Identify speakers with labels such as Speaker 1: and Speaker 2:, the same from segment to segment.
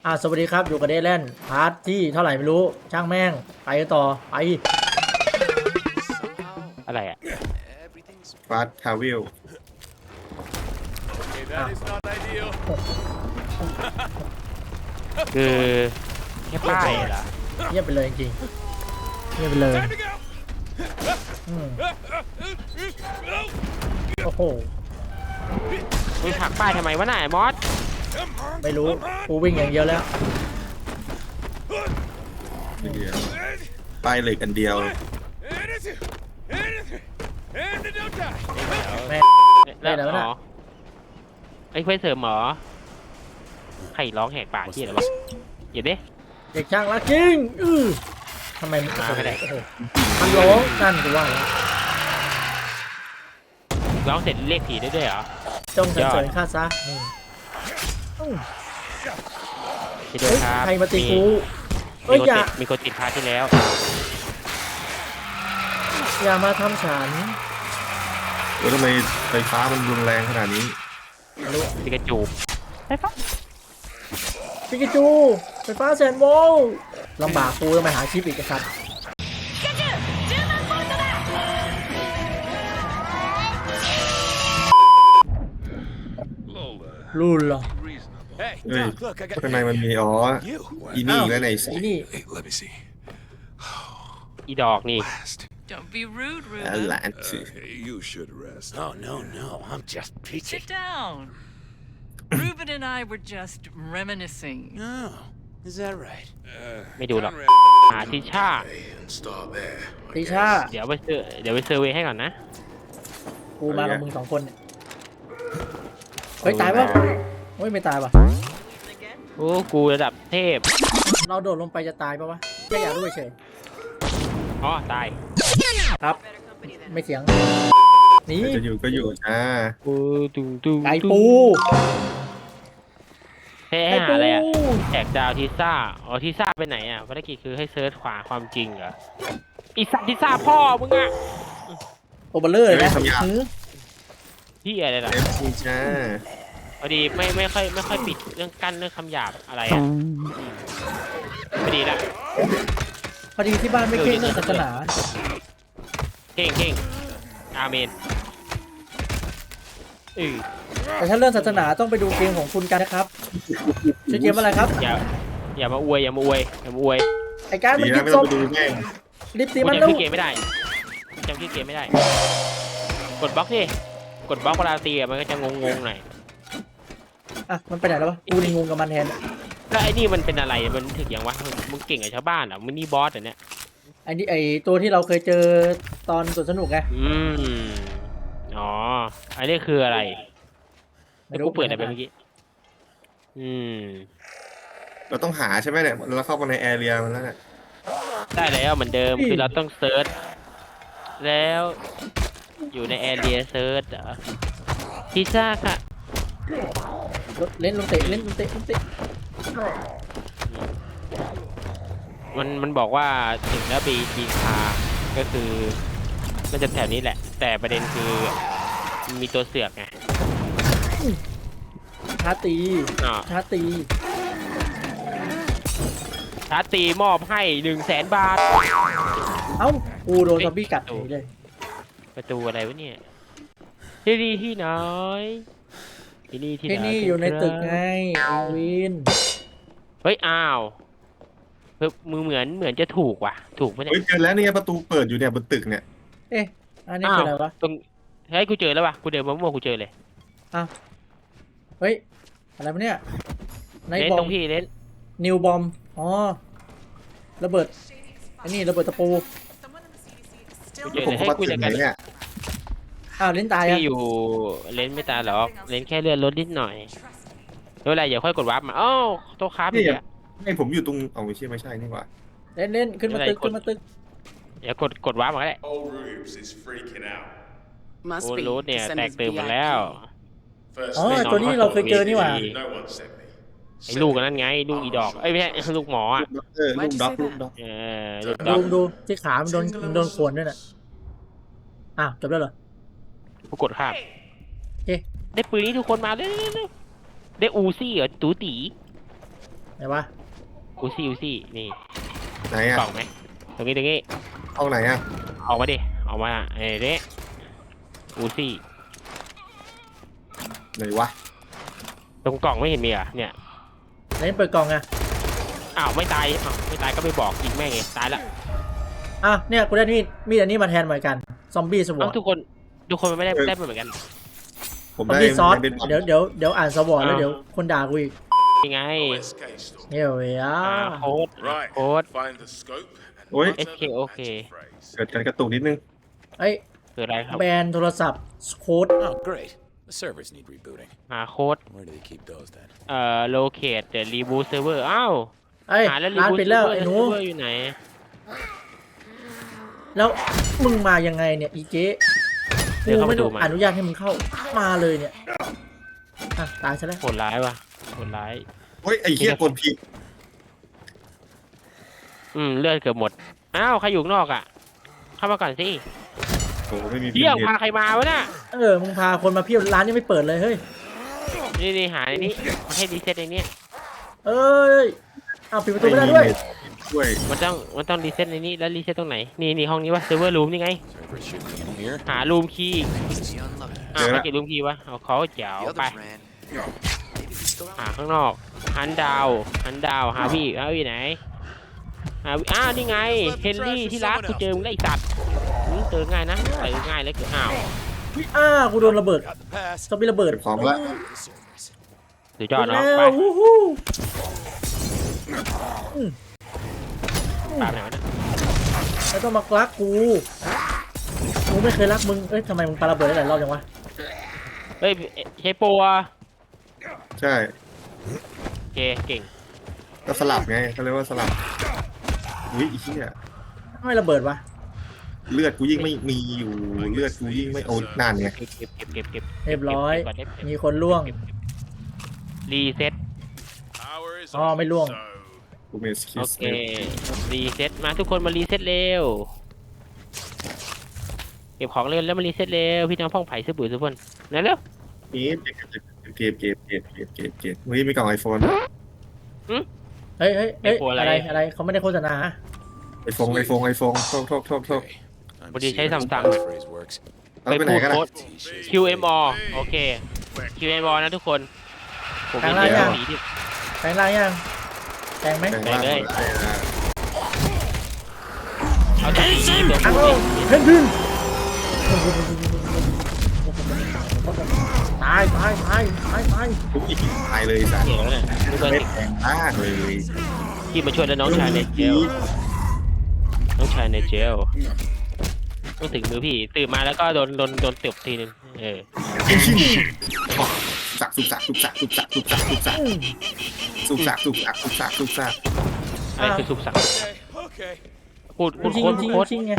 Speaker 1: สวัสดีครับอยู่กับเดลแลนพาร์ทที่เท่าไหร่ไม่รู้ช่างแม่งไปกันต่อไป
Speaker 2: อะไรอ่ะ
Speaker 3: ฟาสทาวิล
Speaker 2: คือแค่ป้ายเหรอ
Speaker 1: เงียบไปเลยจริงๆเงียบไปเลยโอ้โห
Speaker 2: มึงผลักป้ายทำไมวะน่ะไอ้มอส
Speaker 1: ไม่รู้กูวิ่งอย่างเดียวแล้ว
Speaker 3: เดียวป้ายเหล็กอันเดียว
Speaker 1: แม่
Speaker 2: แล้ว
Speaker 1: ได้แล้วนะ
Speaker 2: อ๋อไอ้เควสเสริมหมอใครร้องแหกปากที่อะไรวะอย่าดิ
Speaker 1: เด็กช่างรักจริงทำไมมัน
Speaker 2: มาไม่ได้
Speaker 1: โอ้โหมันร้องนั่นกูว่าแล้ว
Speaker 2: ร้องเสร็จเรียกผีได้ด้วยเหรอ
Speaker 1: จงสรรเสริญข้าซะนี่อื้อ
Speaker 2: ที่ด้วย
Speaker 1: เฮ้ย
Speaker 2: ครับ
Speaker 1: ใครมาตีกู
Speaker 2: มี
Speaker 1: เอ้ย
Speaker 2: คน
Speaker 1: อย่า
Speaker 2: ติดมีคนติดพาที่แล้ว
Speaker 1: อย่ามาทำฉัน
Speaker 3: แล้วทำไมไฟฟ้ามันรุนแรงขนาดนี้
Speaker 1: ไม่รู้
Speaker 2: ปิกาจู
Speaker 1: ปิกาจูไฟฟ้าแสนโวลต์ลำบากกูต้องไปหาชิปอีกครับรุ่นเหรอ
Speaker 4: Hey,
Speaker 3: เฮ้ย
Speaker 4: Doc, look, I got
Speaker 3: ข้างในมันมีอ๋อ
Speaker 4: you.
Speaker 3: อีนี่แล้วไหนสิ
Speaker 1: ไอ้นี่
Speaker 4: Hey, let me see.
Speaker 2: อีดอกนี่
Speaker 4: Last.
Speaker 5: Don't be rude,
Speaker 3: หลา
Speaker 5: Ruben.
Speaker 3: นสิ
Speaker 4: You should rest. Oh, no, I'm just peachy.
Speaker 5: Sit down. Ruben and I were just reminiscing.
Speaker 4: Oh, is that right?
Speaker 2: ไม่ดูหรอกหาทิชา
Speaker 4: Install there.
Speaker 1: ติชา
Speaker 2: เดี๋ยวไปเซอร์เวย์ให้ก่อนนะ
Speaker 1: กูมากับมึงสองคนเนี่ยเฮ้ยตายปะเฮ้ยไม่ตายปะ
Speaker 2: โอ้กูระดับเทพ
Speaker 1: เราโดดลงไปจะตายปะวะแค่อยากรู้เฉย
Speaker 2: อ๋อตาย
Speaker 1: ครับ ไม่เสียงนี่
Speaker 3: จะอยู่ก็อยู่จ้า
Speaker 2: ปูตู
Speaker 1: ไก่ปู
Speaker 2: ให้
Speaker 1: ไก่
Speaker 2: หา
Speaker 1: ปู
Speaker 2: อะไรอ่ะแจกดาวทิซ่าอ๋อทิซ่าไปไหนอ่ะภารกิจคือให้เซิร์ชขวาความจริงเหรออีสัตว์ทิซ่าพ่อมึงอ่ะ
Speaker 1: โอเบอร์เลอร์นะหือ
Speaker 2: ที่อะไรล่ะ
Speaker 3: เอฟซีจ้า
Speaker 2: พอดีไม่ค่อยปิดเรื่องกั้นเรื่องคำหยาบอะไรอ่ะพอดีละ
Speaker 1: พอดีที่บ้านไม่เก่งเรื่องศาสนา
Speaker 2: เก่งอาเมน
Speaker 1: แต่ถ้าเรื่องศาสนาต้องไปดูเกมของคุณกันนะครับชื่อเกมอะไรครับ
Speaker 2: อย่ามาอวย
Speaker 1: ไอ้การมั
Speaker 3: ดี
Speaker 1: น
Speaker 3: นะ
Speaker 1: ยิบ
Speaker 3: ไม่
Speaker 1: ศ
Speaker 3: ต้อง
Speaker 1: พ
Speaker 3: ไปดูแม่ง
Speaker 1: รีบตี
Speaker 2: กู
Speaker 1: มัน
Speaker 2: จำ
Speaker 1: ลู
Speaker 2: ชื่
Speaker 1: ก
Speaker 2: อเกมไม่ได้กดบล็อกดิกดบล็อกเวลาตีมันก็จะงงหน่อย
Speaker 1: อ่ะมันไปไหนแล้ววะกูนี่งงกับมันแทน
Speaker 2: แล้วไอ้นี่มันเป็นอะไรมันถึงยังวะมึงเก่งกับชาวบ้านเหรอมึงนี่บอสเหรอเนี่ย
Speaker 1: ไอ้นี่ไอ้ตัวที่เราเคยเจอตอนสวนสนุกไง
Speaker 2: อ๋ออันนี้คืออะไร
Speaker 1: ไม่
Speaker 2: แล้ว
Speaker 1: รู้
Speaker 2: กูเปิดอะไรไปเมื่อกี้
Speaker 3: เราต้องหาใช่ไหมเนี่ยเราเข้ามาในแอเรียมันแล้วเนี่ย
Speaker 2: ได้แล้วเหมือนเดิมคือเราต้องเซิร์ชแล้วอยู่ในแอเรียเซิร์ชเหรอพิซซ่าค่ะ
Speaker 1: เล่นลงเตะเล่นลงเตะลงเตะ
Speaker 2: มันบอกว่าถึงแล้วบีคาก็คือมันจะแถวนี้แหละ แต่ประเด็นคือมีตัวเสือกไง
Speaker 1: ชาตี
Speaker 2: อ๋อ
Speaker 1: ชาตี
Speaker 2: ชาร์จตีมอบให้100,000 บาท
Speaker 1: เอ้ากูโดนซอมบี้กัดหนีเลย
Speaker 2: ประตูอะไรวะเนี่ยที่นี่ที่ไหนที่นี่ที่ไหน
Speaker 1: ที่นี่อยู่ในตึกไงไอวิน
Speaker 2: เฮ้ยอ้าวมือเหมือนจะถูกว่ะถูกไหมเนี่
Speaker 3: เฮ้ย
Speaker 2: ย
Speaker 3: เจอแล้วเนี่ยประตูเปิดอยู่เนี่ยบนตึกเนี่ย
Speaker 1: เอ๊ะอันนี้คืออะไรวะ
Speaker 2: ตรงเฮ้ยกูเจอแล้วว่ะกูเดินมามั่วกูเจอเลย
Speaker 1: เฮ้ยอะไรวะเนี่ยไน
Speaker 2: เล่น
Speaker 1: บอ
Speaker 2: ตร
Speaker 1: ม
Speaker 2: งพี่เล่น
Speaker 1: นิวบอมอ๋อระเบิดอันนี้ระเบิดตะปู
Speaker 2: กูเจอ
Speaker 3: ผ
Speaker 2: เล
Speaker 3: ม
Speaker 2: ยให้
Speaker 3: เข้า
Speaker 2: กู
Speaker 3: มาตึ
Speaker 2: จั
Speaker 3: ก
Speaker 2: ด
Speaker 3: ไหน
Speaker 2: การ
Speaker 3: เนี่ย
Speaker 1: อ้าวเล่นตายอ่ะ
Speaker 2: พี่อยู่เล่นไม่ตายหรอกเล่นแค่เลื่อนรถนิดหน่อยไม่เป็นไรอย่าค่อยกดวาร์ปมาอ้าวโต๊ะค้าพี่อะ
Speaker 3: ให้ผมอยู่ตรงเอาไม่ใช่นี่หว่า
Speaker 1: เล่นขึ้นมาตึกขึ้นมาตึก
Speaker 2: อย่ากดวาร์ปมาก็ได้
Speaker 6: Old Rubes is freaking out.
Speaker 2: โอ้
Speaker 5: Must be.
Speaker 2: รถเนี่ย
Speaker 5: Send
Speaker 2: แต
Speaker 5: us
Speaker 2: กตื่นหมดแล้ว
Speaker 6: First
Speaker 1: อ๋อ
Speaker 6: thing,
Speaker 1: ตัวนี้เราเคยเจอนี่หว่า
Speaker 6: no one sent me.
Speaker 2: ไอ้ลูกนั่นไงลูกอีดอกเอ้ยไม่ใช่ลูกหมออ่ะ
Speaker 3: ด็อกเตอร์ลูกด็อกลูกด็อก
Speaker 2: ลูกด
Speaker 1: ดู
Speaker 2: อก
Speaker 1: ดูที่ขามันโดนข่วนด้วยน่ะอ้าวจบแล้วเหรอ
Speaker 2: กูกดข้าม
Speaker 1: เอ๊ะ
Speaker 2: ได้ปืนนี้ทุกคนมาเร็วได้อูซี่เหรอตูตี
Speaker 1: ไไหนวะ
Speaker 2: อูซี่นี่
Speaker 3: ไหนอ่ะ
Speaker 2: กล่องไหมตรงนี้
Speaker 3: ห้องไหนอ่ะ
Speaker 2: ออกมาดิออกมาเด้อูซี่
Speaker 3: ไหนวะ
Speaker 2: ตรงกล่องไม่เห็นมีอ่ะเนี่ย
Speaker 1: ไหนเปิดกล่องอะ
Speaker 2: อ้าวไม่ตายไม่ตายก็ไม่บอกยิงแม่งไงตายละ
Speaker 1: อ่ะเนี่ยกูได้มีดอันนี้มาแทนเหมือนกันซอมบี้สวอ
Speaker 2: เอ้า
Speaker 1: ต
Speaker 2: ทุกคนมันไม่ได้เหมือนกัน
Speaker 3: ผม
Speaker 1: ซอม
Speaker 3: ได้
Speaker 1: บี้ซอส
Speaker 3: เป็นบอล
Speaker 1: เดี๋ยวอ่านสวอตแล้วเดี๋ยวคนด่ากูอีก
Speaker 2: ยังไง
Speaker 6: SK store.
Speaker 1: เนี่ยเว้ยอ่ะ
Speaker 2: โค้ด
Speaker 6: Right.
Speaker 2: โค้ด
Speaker 6: Find the scope and
Speaker 3: โอ้ย
Speaker 6: enter the
Speaker 2: SK
Speaker 6: magic phrase.
Speaker 3: เกิดการกระตุกนิดนึง
Speaker 1: เอ้ย
Speaker 2: เกิดอะไรครับ
Speaker 1: แบนโทรศัพท์โค้ด
Speaker 4: Oh, great. The servers need rebooting.
Speaker 2: หาโค้ด
Speaker 4: Where do they keep those then?
Speaker 2: locate the reboot server อ้าว
Speaker 1: เอ้ย
Speaker 2: หาแล้ว
Speaker 1: ร้าน
Speaker 2: reboot
Speaker 1: ปิดแล้ว
Speaker 2: server
Speaker 1: ไอ้หนู
Speaker 2: server อยู่ไหน
Speaker 1: แล้วมึงมายังไงเนี่ยอีเจ๊
Speaker 2: เดี๋ยว
Speaker 1: กู
Speaker 2: เข้า
Speaker 1: ไม่
Speaker 2: ไปดู
Speaker 1: ได้
Speaker 2: มัน
Speaker 1: อนุญาตให้มึงเข้ามาเลยเนี่ยอ่ะตายซะแล้ว
Speaker 2: โหดร้ายว่ะโหดร้าย
Speaker 3: เฮ้ยไอ้เหี้ยกดผิด
Speaker 2: เลือดเกือบหมดอ้าวใครอยู่ข้างนอกอ่ะเข้ามาก่อนสิ
Speaker 3: โอ้ไม่มี
Speaker 2: เที่ยง
Speaker 3: ผิด
Speaker 2: พาใครมาวะน่ะ
Speaker 1: มึงพาคนมาเพียบร้านยังไม่เปิดเลยเฮ้ย
Speaker 2: นี่หาในนี้มาให้รีเซ็ตในนี้
Speaker 1: เอ้ยอ้าวปิดประตูไม่ได้ด้วย
Speaker 3: ด้วย
Speaker 2: มันต้องรีเซ็ตในนี้แล้วรีเซ็ตตรงไหนนี่ห้องนี้วะเซิร์ฟเวอร์รูมนี่ไง
Speaker 4: Servers should be in here.
Speaker 2: หารูมคีย์
Speaker 7: Easy unloaded.
Speaker 2: ไม่เก็บรูมคีย์วะเอาเขาเจ๋ว
Speaker 7: The
Speaker 2: ไป
Speaker 7: others ran. Maybe we still
Speaker 2: หาข้างนอกหันดาวหาพี่ไหนนี่ไงเฮนรี่ที่รักกูเจอมึงได้อีกสัตว์เจอง่ายนะใส่ง่ายเลยเกิดอ้าว
Speaker 1: กูโดนระเบิด
Speaker 4: Got the pass.
Speaker 1: ซอมบี้ระเบิด
Speaker 3: เก็บของละ
Speaker 4: The servers.
Speaker 2: สุดยอดเนาะ
Speaker 1: แล้ว
Speaker 2: ไป
Speaker 1: วู้ฮู้
Speaker 2: ตามไหนวะเนี่ย
Speaker 1: ไม่ต้องมารักกูไม่เคยรักมึงทำไมมึงปาระเบิดได้หลายรอบจังวะ
Speaker 2: เฮ้ยใช้โปรอะ
Speaker 3: ใช่
Speaker 2: โอเคเก่ง
Speaker 3: ก็สลับไงเขาเรียกว่าสลับอุ้ยไอ้เหี้ย
Speaker 1: ทำไมระเบิดวะ
Speaker 3: เลือดกูยิ่งไม่มีอยู่เลือดกูยิ่งไม่โอ้นานไง
Speaker 2: เก็บ
Speaker 1: เรียบร้อย
Speaker 2: เก็บ
Speaker 1: มีคนล่วง
Speaker 2: รีเซ็ต
Speaker 6: Power is
Speaker 1: อ๋อ
Speaker 6: on,
Speaker 1: ไม่ล่วง
Speaker 6: so
Speaker 3: กูมีสกิ
Speaker 2: โอ
Speaker 3: ล
Speaker 2: เครีเซ็ตมาทุกคนมารีเซ็ตเร็วเก็บของเร็วแล้วมารีเซ็ตเร็วพี่น้องพ่องไผ่ซื้อปุ๋ยซื้อเพิ่นนั่นเร็ว
Speaker 3: นี่เก็บเฮ้ยมีกล่องไอโฟน
Speaker 1: เฮ้ยอะไรเขาไม่ได้โฆษณา
Speaker 3: ไอโฟนโทษ
Speaker 4: Okay. I'm
Speaker 2: What do you say,
Speaker 4: serious
Speaker 2: Samsung?
Speaker 4: passphrase works.
Speaker 3: เอาไปไหนกัน
Speaker 2: โค้
Speaker 3: นะ
Speaker 2: ด QMO โอเค QMO นะทุกคนผมเป็น
Speaker 1: ทางล่างยัง
Speaker 2: สีที่
Speaker 1: แปลงร่างยังแปลงไหม
Speaker 3: แบ่งร่าง
Speaker 2: ไปเลย
Speaker 3: หมดเลยนะ
Speaker 2: เอาจากสีตัว
Speaker 1: อ้า
Speaker 2: ผู้
Speaker 1: ว
Speaker 2: สิ
Speaker 1: เพ่นพินตาย
Speaker 3: ทุกอีกตายเลยสัตว์
Speaker 2: เดี๋ยวเนี่ยดูเบอร์
Speaker 3: ไม่
Speaker 2: สิ
Speaker 3: แพงมากเลย
Speaker 2: ที่มาช่วยแล้วน้องชายในเจลน้องชายในเจลต้องถึงมือพี่ตื่นมาแล้วก็โดนตบทีนึง
Speaker 3: สุกสัก
Speaker 2: อะไรคือสุกสัก
Speaker 4: Okay.
Speaker 2: พูด
Speaker 1: จริง
Speaker 2: โค้ด
Speaker 1: จริงไง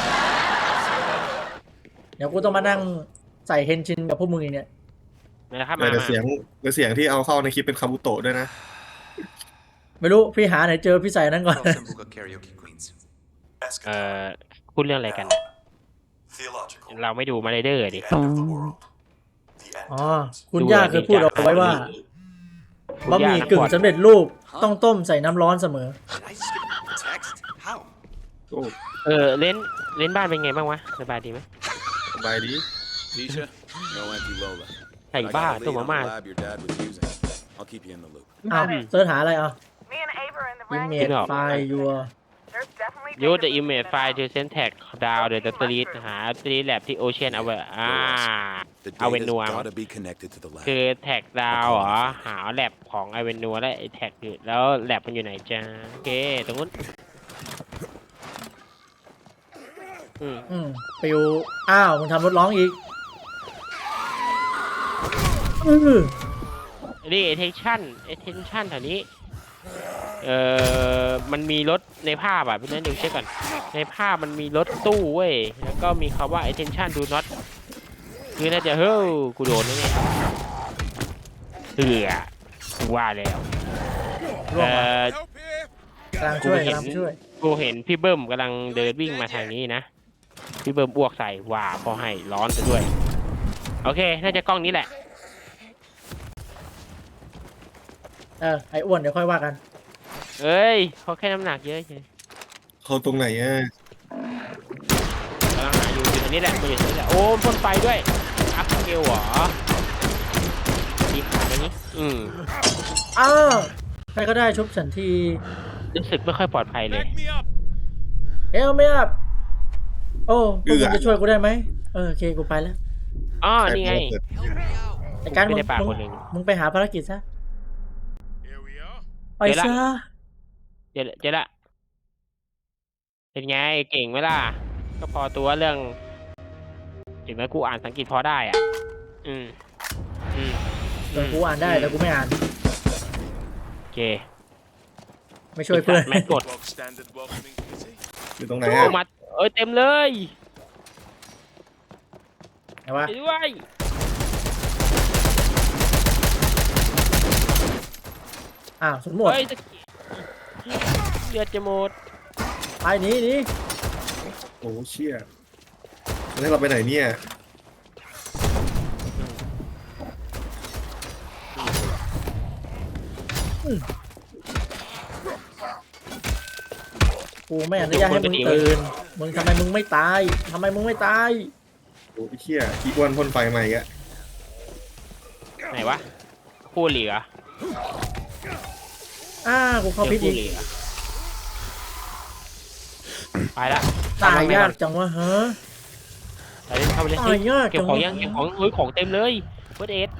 Speaker 1: เดี๋ยวกูต้องมานั่งใส่เฮนชินกับพวกมึงอีกเนี่ย
Speaker 2: นะครับ
Speaker 3: แต่เสียงที่เอาเข้าในคลิปเป็นคาบุโตะด้วยนะ
Speaker 1: ไม่รู้พี่หาไหนเจอพี่ใส่นั้นก่อน
Speaker 7: Sambuca karaoke queens.
Speaker 2: พูดเรื่องอะไรกัน
Speaker 8: Theological.
Speaker 2: เราไม่ดูมาไรเดอร์ดิ
Speaker 8: The end of the world. The end
Speaker 1: อ๋อ
Speaker 8: times.
Speaker 1: คุณย่าเคยพูดเอาไว้ว่าบะหมี่กึ่งสำเร็จรูปต้องต้มใส่น้ำร้อนเสมอ
Speaker 7: Did I just get a text? How?
Speaker 3: โอ้
Speaker 2: เล่นบ้านเป็นไงบ้างวะสบายดีไหม
Speaker 3: สบายดี
Speaker 4: Tisha, no empty Lola.
Speaker 2: ไข่
Speaker 4: I
Speaker 2: บ้า
Speaker 4: got a
Speaker 2: ตัว
Speaker 4: lead
Speaker 2: มา
Speaker 4: on
Speaker 2: ม่า
Speaker 4: the lab your dad was using. I'll keep you in the loop.
Speaker 1: อ้าวเสิร์ชหาอะไรอ่ะ
Speaker 9: Me and Ava are in the
Speaker 1: อิม
Speaker 9: ring.
Speaker 1: เมจไฟล์ยัว
Speaker 9: There's definitely
Speaker 2: ยู
Speaker 9: danger
Speaker 2: the image
Speaker 9: movement
Speaker 2: file
Speaker 9: out.
Speaker 2: to send tag down the street หา street lab ที่ Ocean เอาไว้
Speaker 4: The
Speaker 2: เอาเวน
Speaker 4: data's
Speaker 2: นัว
Speaker 4: gotta be connected to the lab.
Speaker 2: คือแท็กดาวเหรอหาแลบของไอเวนนัวและไอแท็กอยู่แล้วแลบมันอยู่ไหนจ้าโอเคตรงนู้น
Speaker 1: ปิวมึงทำรถร้องอีก
Speaker 2: นี่ attention แถวนี้มันมีรถในภาพอ่ะพี่นั่นดูเช็คก่อนในภาพมันมีรถตู้เว้ยแล้วก็มีคำว่า attention do not คือน่าจะกูโดนแล้วเนี่ยกูว่าแล้ว
Speaker 1: กำลังช่วย
Speaker 2: กูเห็นพี่เบิ้มกำลังเดินวิ่งมาทางนี้นะพี่เบิ้มอ้วกใส่ว่าพอให้ร้อนซะด้วยโอเคน่าจะกล้องนี้แหละ
Speaker 1: ไอ้อ้วนเดี๋ยวค่อยว่ากัน
Speaker 2: เอ้ยเขาแค่น้ำหนักเยอะเฉย
Speaker 3: เขาตรงไหนอ่ะ
Speaker 2: กำลังหาอยู่ตรงนี้แหละมันอยู่ตรงนี้แหละโอ้พ่นไฟด้วยอัพสเกลเหรอดีขาตรงนี้
Speaker 1: อ้าวใครก็ได้ชุบฉันที
Speaker 2: รู้สึกไม่ค่อยปลอดภัยเลย
Speaker 6: Back me up.
Speaker 1: เอลไม่อับโอ้พวกมึงจะช่วยกูได้ไหมโอเคกูไปแล้ว
Speaker 2: อ๋อนี่ไง
Speaker 1: ไอ้การ
Speaker 2: ไม่
Speaker 1: มึง
Speaker 2: ได้ปากคนหนึ่ง
Speaker 1: มึงไปหาภารกิจซะ
Speaker 6: Here we are.
Speaker 1: ไปซะ
Speaker 2: เจ๊ละเป็นไงเก่งไหมล่ะก็พอตัวเรื่องถึงแม้กูอ่านสังกฤษพอได้อ่ะอืม
Speaker 1: แต่กูอ่านได้แต่กูไม่อ่าน
Speaker 2: โอเค
Speaker 1: ไม่ช่วยเพื่อน
Speaker 2: แม่กด
Speaker 6: Bog standard welcoming kitty.
Speaker 3: อยู่ตรงไหน
Speaker 2: โอ้
Speaker 3: อ่ะ
Speaker 2: มาเต็มเลย
Speaker 1: ไหนวะ
Speaker 2: ไปด้วย
Speaker 1: อ้าวสมหมด
Speaker 2: เฮ้ยเลือดจะหมด
Speaker 1: ไปหนีหนี
Speaker 3: โอ้เชี่ยแล้วเราไปไหนเนี่ย
Speaker 1: กูไม่อนุญาตให้มึงตื่นมึงทำไมมึงไม่ตายทำไมมึงไม่ตาย
Speaker 3: โอ้เชี่ยอีกวันพ่นไฟใหม่อ่ะ
Speaker 2: ไหนวะคู่เหลือ
Speaker 1: กูเข้าพิษ
Speaker 2: คู่
Speaker 1: อีก
Speaker 2: เหลือไปละ
Speaker 1: ตายยากจังวะฮะ
Speaker 2: ไปเล่นเข้าไปเล่น
Speaker 1: ตายยาก
Speaker 2: เก็บ
Speaker 1: จัง
Speaker 2: ของ
Speaker 1: วะ
Speaker 2: ยังเก็บของเฮ้ยของเต็มเลยเฟิร์สเอด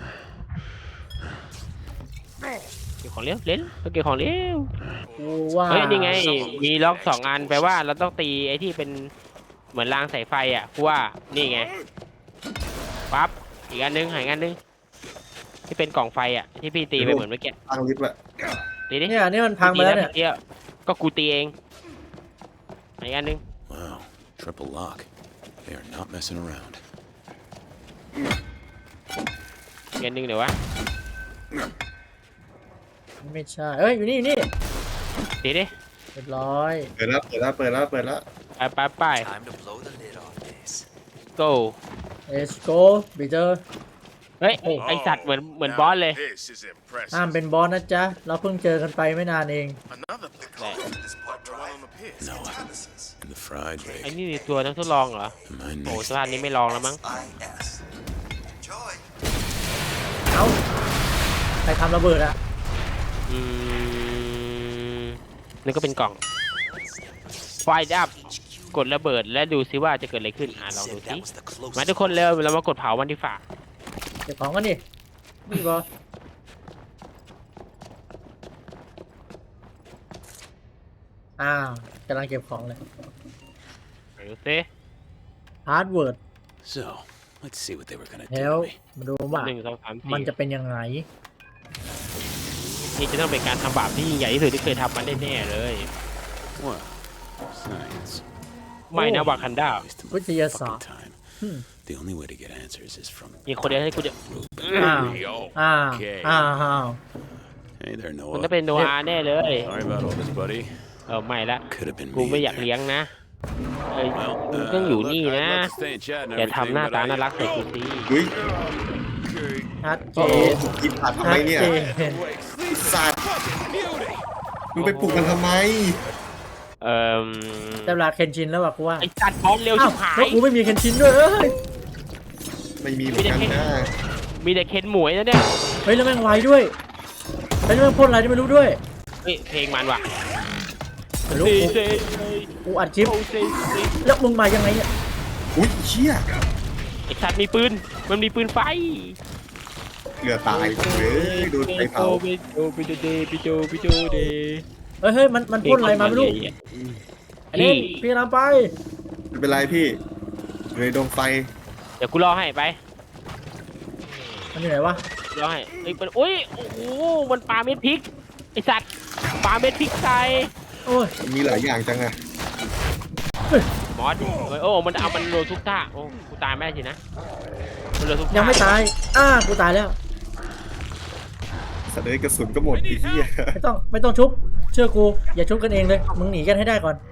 Speaker 2: เก็บของเร็วเล่นเก็บของเร็ว
Speaker 1: กูว่า
Speaker 2: เฮ้ยนี่ไงมีล็อก2 อันแปลว่าเราต้องตีไอ้ที่เป็นเหมือนรางสายไฟอ่ะกูว่านี่ไงปั๊บอีกอันนึงหายอันนึงที่เป็นกล่องไฟอ่ะที่พี่ตีไปเหมือนเมื่อกี้
Speaker 3: ตั้งลิฟต์ละ
Speaker 2: ตีดิ
Speaker 1: เนี่ยนี่มันพังไปแล้วเนี่ย
Speaker 2: ตีก็กูตีเองหายอันนึง
Speaker 4: Wow, triple lock. They are not messing around.
Speaker 2: อีกอันนึงเดี๋ยววะ
Speaker 1: ไม่ใช่เอ้ยอยู่นี่อยู่นี่
Speaker 2: ตีดิ
Speaker 1: เรียบร้อย
Speaker 3: เปิดแล้วเปิดแล้วเปิดแล้วเปิดแล้ว
Speaker 2: ไป
Speaker 7: Time to blow the lid off this.
Speaker 2: go
Speaker 1: let's go บีเจอร์
Speaker 2: เฮ้ยไอสัตว์เหมือน
Speaker 6: Now
Speaker 2: บอสเลย
Speaker 6: This is impressive.
Speaker 1: ห้ามเป็นบอสนะจ๊ะเราเพิ่งเจอกันไปไม่นานเอง
Speaker 6: Another
Speaker 8: The
Speaker 6: pick.
Speaker 8: coffin is part
Speaker 6: The one
Speaker 8: drive.
Speaker 6: on the pier.
Speaker 4: No,
Speaker 8: Genesis.
Speaker 4: and the fried
Speaker 2: ไอ้
Speaker 4: rig.
Speaker 2: นี่ตัวนักทดลองเหรอ
Speaker 4: Am I
Speaker 2: โอ้
Speaker 4: next?
Speaker 2: สภาพนี้ไม่ลองแล้วมั้ง
Speaker 8: IS. Enjoy.
Speaker 1: เอ้าใครทำระเบิดอะ
Speaker 2: นี่ก็เป็นกล่องไฟดับกดระเบิดและดูซิว่าจะเกิดอะไรขึ้นลองดู
Speaker 7: Said
Speaker 2: ซิ
Speaker 7: that was the closest.
Speaker 2: มาทุกคนเร็วเรามากดเผามันที่ฝาก
Speaker 1: เก็บของกันดินี่บอสกำลังเก็บของเลย
Speaker 2: ไปดูซิ
Speaker 1: ฮาร์ดเวิร์ด
Speaker 4: So, let's see what they were gonna
Speaker 1: แล้ว
Speaker 4: do to me.
Speaker 1: มาดูว่า
Speaker 2: 1 2 3
Speaker 1: มันจะ
Speaker 2: 4
Speaker 1: เป็นยังไง
Speaker 2: นี่จะต้องเป็นการทำบาปที่ยิ่งใหญ่ที่สุดที่เคยทำมาแน่ๆเลย
Speaker 4: Well, science.
Speaker 2: ไม่นะวากันดา
Speaker 4: Waste of
Speaker 1: วิทยาศาสต
Speaker 4: fucking
Speaker 1: ร์
Speaker 4: time. The only way to get answers is from
Speaker 2: มีคนเดียวให้กูจะ
Speaker 1: อ้าว
Speaker 6: Yo.
Speaker 1: อ้าว
Speaker 4: Okay.
Speaker 1: อ้าว
Speaker 4: Hey there,
Speaker 2: มัน
Speaker 4: Noah.
Speaker 2: จะเป็นโนอาแน่เลย
Speaker 4: Sorry about all this, buddy.
Speaker 2: ไม่ละ
Speaker 4: Could have been
Speaker 2: กู
Speaker 4: me.
Speaker 2: ไม่
Speaker 4: in
Speaker 2: อยาก
Speaker 4: there.
Speaker 2: เลี้ยงนะมึง
Speaker 4: Well,
Speaker 2: ต้องอยู่
Speaker 4: look,
Speaker 2: นี่
Speaker 4: I'd
Speaker 2: นะ
Speaker 4: love to stay and chat and
Speaker 2: อย่าทำหน้า
Speaker 4: everything,
Speaker 2: ตา
Speaker 4: but
Speaker 2: น่ารักใส่กูสิ
Speaker 3: อุ้ย
Speaker 1: ชัดเจ
Speaker 3: โอ้โห
Speaker 1: น
Speaker 3: กินผัดทำไม
Speaker 1: ชัด
Speaker 3: เนี่ย
Speaker 1: เจน
Speaker 3: สัตว์มึงไปปลุกมันทำไม
Speaker 1: แต่เวลาเคนชินแล้วว่ะกูว่า
Speaker 2: ไอ้จัดบอลเร็ว
Speaker 1: อ้า
Speaker 2: ชิ
Speaker 1: ว
Speaker 2: บหา
Speaker 1: แล้ว
Speaker 2: ย
Speaker 1: กูไม่มีเคนชินด้วยเอ้ย
Speaker 3: ไม่มีเหมือนกันนะ
Speaker 2: มีแต่เคนหมวยนะเนี่ย
Speaker 1: เฮ้ยแล้วแม่งไวด้วยแล้วแม่งพ่นอะไรที่ไม่รู้ด้วย
Speaker 2: เฮ้ยเพลงมันว่ะ
Speaker 1: ไม่รู้กูอัดคลิป
Speaker 2: เซ่
Speaker 1: แล้วมึงมายังไงเนี่ย
Speaker 3: อุ้ยเชี่ย
Speaker 2: ไอ้สัตว์มีปืนมันมีปืนไฟ
Speaker 3: เหลือตายเว้ยโดนไฟเผา
Speaker 2: ไปโจเด
Speaker 1: เฮ้ยมันพ่นอะไรมาไม่รู้ไอ้นี่พี่นำไป
Speaker 3: ไม่เป็นไรพี่เลยดวงไฟ
Speaker 2: เดี๋ยวกูรอให้ไป
Speaker 1: มันอยู่ไหนวะ
Speaker 2: รอให้เฮ้ยมันโอ้ยโอ้โหมันปาเม็ดพริกไอ้สัตว์ปาเม็ดพริกใส่
Speaker 1: โอ้ย
Speaker 3: มีหลายอย่างจังอะ
Speaker 2: มอสโอ้มันเอามันโดนทุกท่าโอ้กูตายไม่ได้สินะมันโดนทุกท่า
Speaker 1: ยังไม่ตายกูตายแล้ว
Speaker 3: สัตว์เลยกระสุนก็หมดไอ้เหี้ย
Speaker 1: ไม่ต้องชุบเชื่อกูอย่าชุบกันเองเลยมึงหนีกันให้ได้ก่อน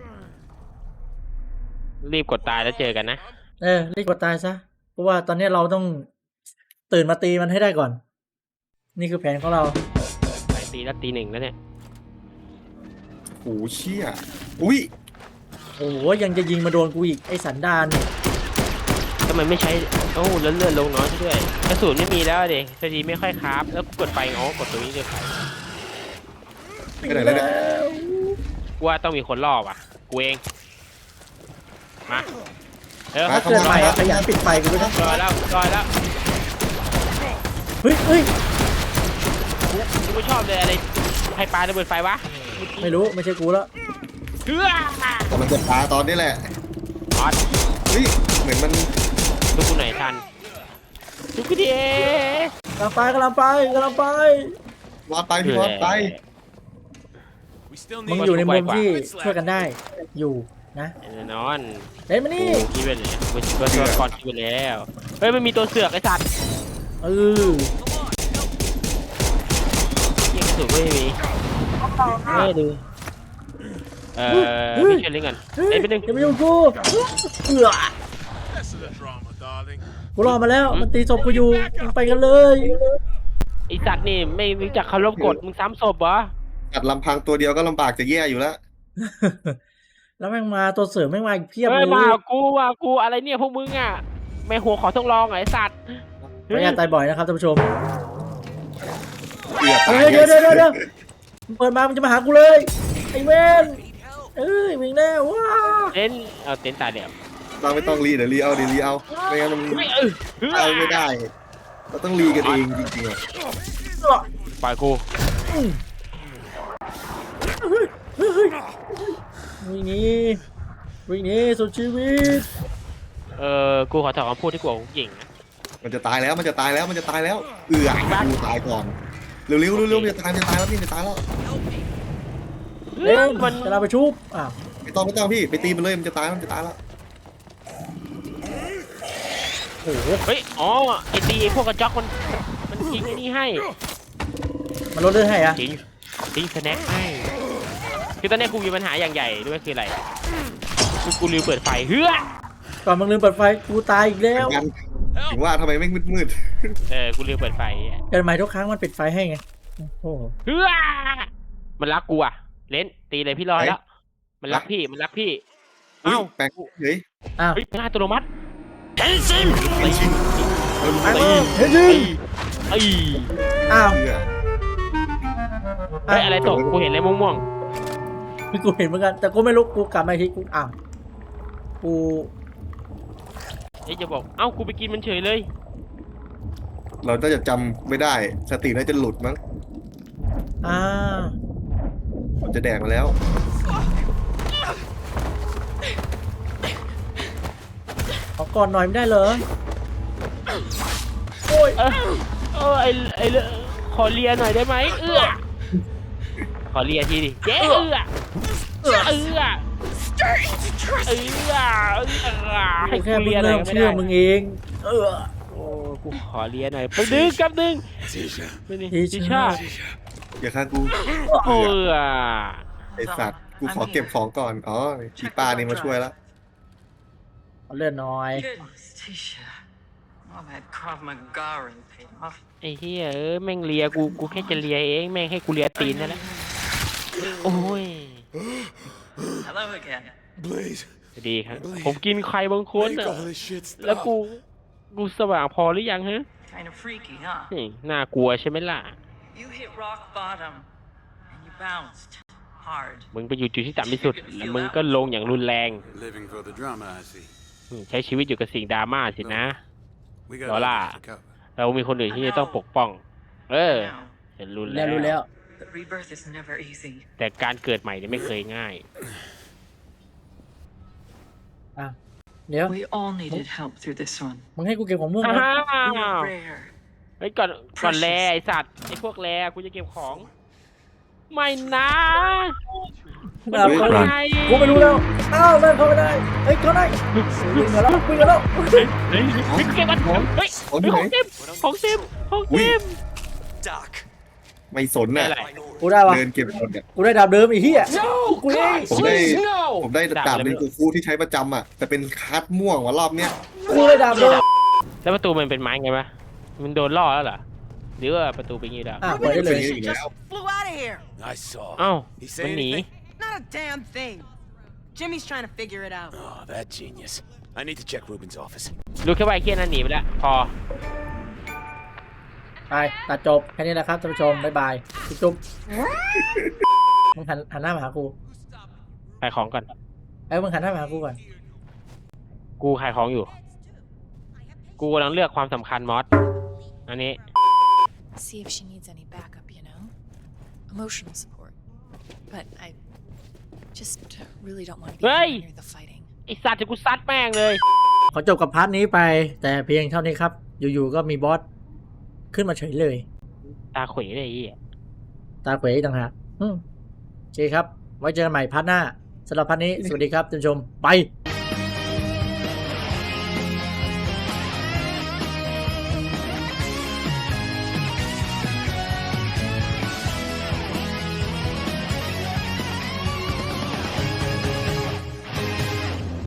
Speaker 2: รีบกดตายแล้วเจอกันนะ
Speaker 1: รีบกดตายซะเพราะว่าตอนนี้เราต้องตื่นมาตีมันให้ได้ก่อน นี่คือแผนของเรา
Speaker 2: ไปตีแล้วตี 1แล้วเนี่ย
Speaker 3: โอ้เชี่ยอุ้ย
Speaker 1: โอ้โหยังจะยิงมาโดนกูอีกไอ้สันดาน
Speaker 2: ทำไมไม่ใช้โอ้เลื่อนลงน้อยซะด้วยกระสุนไม่มีแล้วเด็กพอดีไม่ค่อยคราฟแล้วกูกดไปอ๋อกดตรงนี้เลย
Speaker 3: ไปไหนแล้วเนี่ย
Speaker 2: กูว่าต้องมีคนล่อว่ะกูเองมาเออ
Speaker 1: ถ้าเกิดใหม่อะขยันปิดไฟกูด้วยนะ
Speaker 2: รอแล้ว
Speaker 1: เฮ้ยเฮ้ย
Speaker 2: กูไม่ชอบเลยอะไรใครปาระเบิดไฟวะ
Speaker 1: ไม่รู้ไม่ใช่กูแล้ว
Speaker 2: เฮ้ย
Speaker 3: กำลังจะปาตอนนี้แหละ
Speaker 2: ออส
Speaker 3: เฮ้ยเหมือนมัน
Speaker 2: ดูกูหน่อยทันดูกูดิ
Speaker 1: กำลังไปกำลังไปกำลังไป
Speaker 3: วาดไปพี่วาดไป
Speaker 6: We still
Speaker 1: มึง
Speaker 6: need
Speaker 1: อยู่ในมุมที่ช่วยกันได้อยู่นะ
Speaker 2: แน่นอน
Speaker 1: เล่นมานี่
Speaker 2: กูคิดไปเลยกูตัวก่อนคิดไปแล้วเฮ้ยมันมีตัวเสือกไอ้สัตว์
Speaker 1: เออ
Speaker 2: ยิงกระสุนไม่มีไม่ดูพี่เชนลิงกันไอ้เป็นหนึ่ง
Speaker 1: จะไม่ยุ่งกูเอือ
Speaker 6: less of the drama, darling.
Speaker 1: กูรอมาแล้วมันตีศพกูอยู่มึงไปกันเลย
Speaker 2: ไอ้สัตว์นี่ไม่รู้จักเคารพกฎมึงซ้ำศพเหรอ
Speaker 3: กัดลำพังตัวเดียวก็ลำบากจะแย่อยู่แล้ว
Speaker 1: แล้วแม่งมาตัวเสริมแม่งมาอีกเพียบ
Speaker 2: เฮ้
Speaker 1: เลย ย
Speaker 2: มากูอะไรเนี่ยพวกมึงอ่ะไม่หัวขอต้องลองไอ้สัตว์
Speaker 1: พยายามตายบ่อยนะครับท่านผู้ชม
Speaker 3: เกือบตา
Speaker 1: เฮ้
Speaker 3: ย
Speaker 1: ยเดี๋ยวมึงเปิดมามึงจะมาหากูเลยไอ้เวนเอ้ยวิ่งแน่ว้า
Speaker 2: เต้นเอาเต้นตายเดี๋ยว
Speaker 3: เราไม่ต้องรีเดี๋ยวรีเอาเดี๋ยวรีเอาไม่งั้นมัน
Speaker 2: ไม่
Speaker 3: เอาไม่ได้ เราต้องรีกันเองจริงๆอะ
Speaker 2: ปล่อยกู
Speaker 1: วิ่งหนีวิ่งหนีสุดชีวิต
Speaker 2: กูขอถอนคำพูดที่กูของหญิงนะ
Speaker 3: มันจะตายแล้วมันจะตายแล้วมันจะตายแล้วกูตายก่อนเร็วมันจะตายแล้วพี่จะตายแล้ว
Speaker 1: เล่น
Speaker 2: มัน
Speaker 1: จะเราไปชุบอ้าว
Speaker 3: ไม่ต้องพี่ไปตีมันเลยมันจะตายแล้ว
Speaker 1: โอ้โห
Speaker 2: เฮ้ยอ๋อไอตีพวกกระจอกมันทิ้งไอ้นี่ให้
Speaker 1: มันลดเลือดให้อะ
Speaker 2: ทิ้งสแน็คให้คือตอนนี้กูมีปัญหาอย่างใหญ่ด้วยคืออะไรคือกูลืมเปิดไฟเฮ้ย
Speaker 1: ก่อนมึงลืมเปิดไฟกูตายอีกแล้ว
Speaker 3: กันถึงว่าทำไมไม่มืด
Speaker 2: กูลืมเปิดไฟ
Speaker 1: เกิดใหม่ทุกครั้งมันปิดไฟให้ไงโอ้โห
Speaker 2: เฮ้ยมันรักกูอ่ะเล่นตีเลยพี่รอแล้วมันรักพี่
Speaker 3: เอ้าแปลกเฮ้ย
Speaker 1: อ้าว
Speaker 2: เฮ้ยเป็นอัตโนมัติเทนซิน
Speaker 1: ไปมึงเฮ้ยยิง
Speaker 2: ไอ้
Speaker 1: อ้าว
Speaker 2: เฮ้ยอะไรตกกูเห็นอะไรม่วง
Speaker 1: กูเห็นเหมือนกันแต่กูไม่รู้กูกลับมาอีกทีกูอ้าวกู
Speaker 2: ๆไอ้จะบอกเอ้ากูไปกินมันเฉยเลย
Speaker 3: เราน่าจะจำไม่ได้สติน่าจะหลุดมั้ง
Speaker 1: อ้าว
Speaker 3: มันจะแดกมาแล้ว
Speaker 1: ขอก่อนหน่อยไม่ได้เหรอโอ้ย
Speaker 2: ไอ้ขอเลียหน่อยได้ไหมขอเลียทีดิเจ๊ให้
Speaker 1: กูแค่
Speaker 2: กู
Speaker 1: มึ
Speaker 2: เลี
Speaker 1: ง
Speaker 2: ยหน่อ
Speaker 1: เริ่
Speaker 2: ย
Speaker 1: ม
Speaker 2: ไม่
Speaker 1: เชื่อ
Speaker 2: ได้
Speaker 1: มึงเอง
Speaker 2: โอ้กูขอเลียหน่อยไปดึงกับดึง
Speaker 4: Tisha.
Speaker 2: ทิชา
Speaker 3: อย่าฆ่ากู ไอสัตว์กูขอเก็บของก่อนอ๋อชีป้านี่มาช่วยแล้ว
Speaker 1: เอาเลื่อนหน่อย
Speaker 5: Goodness, Tisha. All that Krav Maga paid off.
Speaker 2: ไอ้เหี้ยแม่งเลียกูแค่จะเลียเองแม่งให้กูเลียตีนนั่นแหละโอ้ย
Speaker 5: Hello again.
Speaker 4: Blaze.
Speaker 2: ดีครับผมกินใครบางคน
Speaker 4: Make
Speaker 2: อะ
Speaker 4: all this shit
Speaker 2: แล้ว
Speaker 4: stop.
Speaker 2: กูสว่างพอหรือยังฮะ
Speaker 5: Kind of freaky, huh?
Speaker 2: นี่น่ากลัวใช่ไหมล่ะ
Speaker 5: You hit rock bottom and you bounced hard.
Speaker 2: มึงไปอยู่จุดที่ต่ำที่สุดแล้วมึงก็ลงอย่างรุนแรง
Speaker 4: Living for the drama, I see.
Speaker 2: ใช้ชีวิตอยู่กับสิ่งดราม่าสินะ
Speaker 4: We got
Speaker 2: Hola.
Speaker 4: others to cover.
Speaker 2: เรามีคนอื่นที่จะต้องปกป้อง
Speaker 5: Now,
Speaker 2: จะรุนแร
Speaker 1: แล้ว
Speaker 2: ง
Speaker 1: รู้แล้ว
Speaker 5: but rebirth is never easy.
Speaker 2: แต่การเกิดใหม่เนี่ยไม่เคยง่าย
Speaker 1: อ่ะเดี๋ยว
Speaker 5: We all needed help through this one.
Speaker 1: มึงให้กูเก็บของม่วง
Speaker 2: อ้า
Speaker 1: นะ
Speaker 2: ว
Speaker 5: We're rare.
Speaker 2: เฮ้ยก่อนแลไอสัตว์ไอพวกแลกูจะเก็บของ ไม่นะ
Speaker 1: แบบ
Speaker 2: มัน
Speaker 1: เขา
Speaker 2: ไง
Speaker 1: กูไม่รู้แล้วอ้าวแม่งเข้าไม่ได้เฮ้ยเข้าได้วิ่งกันแล้ววิ่งกันแล้ว
Speaker 2: เฮ้ยเก็บมันเฮ้ยของเต็ม
Speaker 7: Doc.
Speaker 3: ไม่สนน่ะ
Speaker 2: อะไร
Speaker 1: กูได้วะ
Speaker 3: เดินเก็บหมดเนี่ย
Speaker 1: กูได้ดาบเดิมอีกที่อ่ะกูเอง
Speaker 3: ผมได้ดาบเป็นกูฟูที่ใช้ประจำอ่ะแต่เป็นคัดม่วงว่ารอบเนี้ย
Speaker 1: กูได้ดาบเดิม
Speaker 2: แล้วประตูมันเป็นไม้ไงวะมันโดนล่อแล้วเหรอหรือว่าประตูเป็นอย่างงี้แล้ว
Speaker 1: อ่ะเปิดได้เลย
Speaker 3: อีกแล้ว
Speaker 8: Flew out of here.
Speaker 6: I saw.
Speaker 2: เอ้า
Speaker 6: He
Speaker 2: มัน
Speaker 6: say
Speaker 2: หนี
Speaker 6: anything?
Speaker 10: Not a damn thing. Jimmy's trying to figure it out.
Speaker 4: Oh, that genius. I need to check Ruben's office.
Speaker 2: รู้แค่ว่าไอ้เคียนั่นหนีไปแล้วพอ
Speaker 1: ไปตัดจบแค่นี้แหละครับท่านผู้ชมบ๊ายบายจุ๊บมึงหันหน้ามาหากู
Speaker 2: ขายของก่อน
Speaker 1: มึงหันหน้ามาหากูก่อน
Speaker 2: กูขายของอยู่ กูกำลังเลือกความสำคัญมอสอันนี้
Speaker 5: See if she needs any backup, you know? Emotional support. But I just really don't want to be
Speaker 2: Hey!
Speaker 5: near the fighting.
Speaker 2: ไอสัตว์จะกูซัดแม่งเลย
Speaker 1: ขอจบกับพาร์ทนี้ไป แต่เพียงเท่านี้ครับ อยู่ๆก็มีบอสขึ้นมาเฉยเลย
Speaker 2: ตาขวเลยไอ้เหี้ย
Speaker 1: ตาเขวต่างหากโอเคครับ ไว้เจอกันใหม่พาร์ทหน้าสำหรับพาร์ทนี้ สวัสดีครับท่านผู้ชม ไป